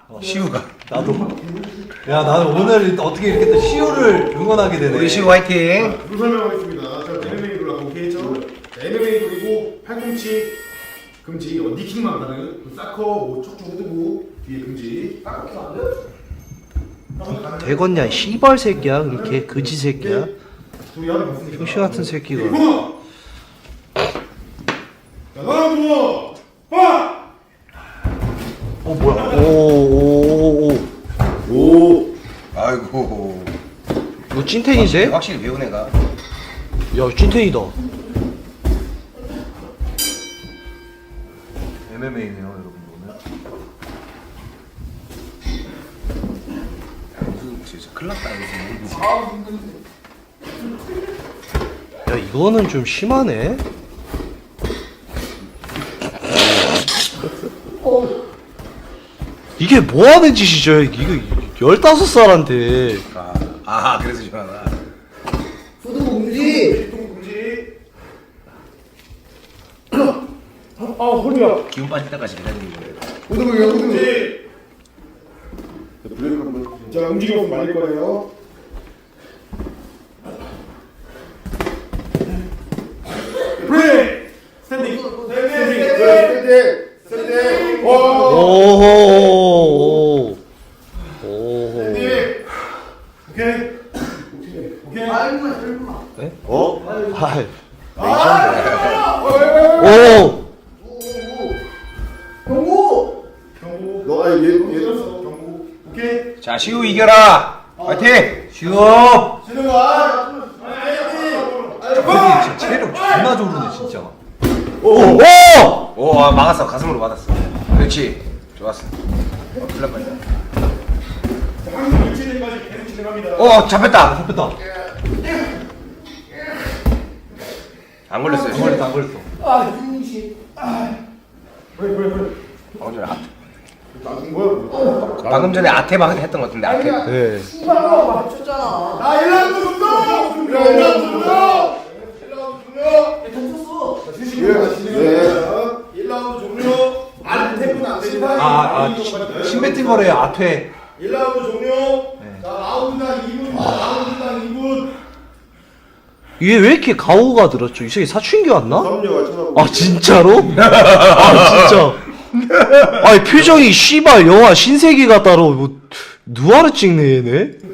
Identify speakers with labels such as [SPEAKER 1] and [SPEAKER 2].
[SPEAKER 1] 시우가.
[SPEAKER 2] 나도. 야, 나는 오늘 어떻게 이렇게 또 시우를 응원하게 되네.
[SPEAKER 1] 우리 시우 화이팅.
[SPEAKER 3] 룰 설명하겠습니다. 자, MMA 룰하고 오케이죠? MMA 그리고 팔꿈치 금지, 니킥만 가능. 사커, 뭐 척추 후두부 뒤에 금지.
[SPEAKER 2] 되겠냐, 씨발 새끼야. 그렇게 거지 새끼야.
[SPEAKER 3] 둘이 하나 봤으니까.
[SPEAKER 2] 병신 같은 새끼가.
[SPEAKER 3] 자, 하나, 둘, 빠!
[SPEAKER 2] 뭐야? 오.
[SPEAKER 1] 아이고.
[SPEAKER 2] 이거 찐텐인데?
[SPEAKER 1] 확실히 배운 애가.
[SPEAKER 2] 야, 찐텐이다. MMA네요, 여러분 오늘.
[SPEAKER 1] 무슨 진짜 큰일 났다 이거.
[SPEAKER 2] 야, 이거는 좀 심하네. 이게 뭐 하는 짓이죠? 이거 15살한테.
[SPEAKER 1] 그래서 시원하다.
[SPEAKER 3] 후두부 금지! 후두부 금지! 허리야.
[SPEAKER 1] 기운 빠질 때까지 기다리는 거예요.
[SPEAKER 3] 후두부 금지! 자, 움직임없으면 말릴 거예요. 브레이크! 스탠딩! 스탠딩!
[SPEAKER 2] 오호.
[SPEAKER 3] 오케이.
[SPEAKER 2] 네? 하이. 오.
[SPEAKER 3] 경고. 너 얘 들었어. 경고. 오케이.
[SPEAKER 1] 자 시우 이겨라. 화이팅. 시우.
[SPEAKER 3] 신우가.
[SPEAKER 2] 진짜 체력 존나 조르네 진짜.
[SPEAKER 1] 오 막았어. 가슴으로 맞았어. 그렇지. 좋았어. 큰일 날 뻔했다.
[SPEAKER 3] 항상 유치대까지 계속 진행합니다.
[SPEAKER 1] 잡혔다.
[SPEAKER 2] 잡혔다.
[SPEAKER 1] 안 걸렸어요.
[SPEAKER 2] 안 걸렸어, 안 걸렸어.
[SPEAKER 1] 방금 전에
[SPEAKER 3] 나중 뭐야?
[SPEAKER 1] 방금 전에 아테방 했던 것 같은데 아테.
[SPEAKER 2] 네.
[SPEAKER 3] 나 1라운드 종료! 1라운드 종료! 1라운드 종료! 예, 1라운드 종료! 안 태프는 안 됩니다.
[SPEAKER 2] 신배팅 거래요, 앞에.
[SPEAKER 3] 1라운드 종료! 자, 라운드당 2분, 라운드당 2분.
[SPEAKER 2] 이게 왜 이렇게 가오가 들었죠? 이 새끼 사춘기 왔나?
[SPEAKER 3] 그럼요,
[SPEAKER 2] 아 진짜로? 아 진짜. 아니 표정이 씨발 영화 신세계 같다로 뭐 누아르 찍네 얘네.